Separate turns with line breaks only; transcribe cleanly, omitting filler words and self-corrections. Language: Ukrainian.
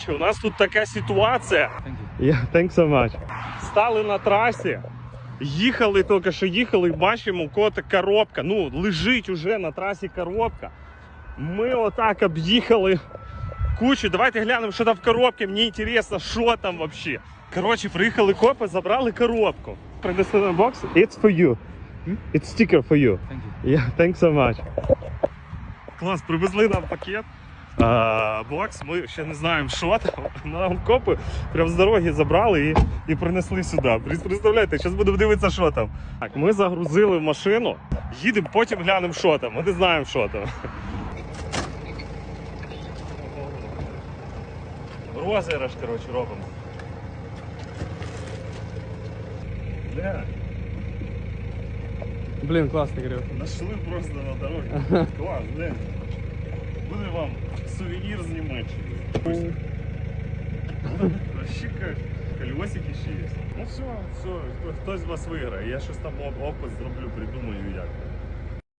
У нас тут така ситуація. Thanks so much. Стали на трасі, їхали, тільки що їхали, і бачимо, у кого-то коробка. Ну, лежить уже на трасі коробка. Ми отак об'їхали кучу. Давайте глянемо, що там в коробці. Мені цікаво, що там взагалі. Коротше, приїхали копи, забрали коробку. Принесли на бокс. It's for you. It's sticker for you. Thanks so much. Клас, привезли нам пакет. Бокс, ми ще не знаємо, що там. Нам копи прямо з дороги забрали і принесли сюди. Представляєте, зараз будемо дивитися, що там. Так, ми загрузили в машину, їдемо, потім глянемо, що там. Ми не знаємо, що там. Розіграш, коротше, робимо. Бля.
Блін, класний гриб.
Нашли просто на дорогі. Клас, блин. Буде вам сувенір з Німеччини. Вообще колесики ще є. Ну все, хтось з вас виграє. Я щось там опис зроблю, придумаю як.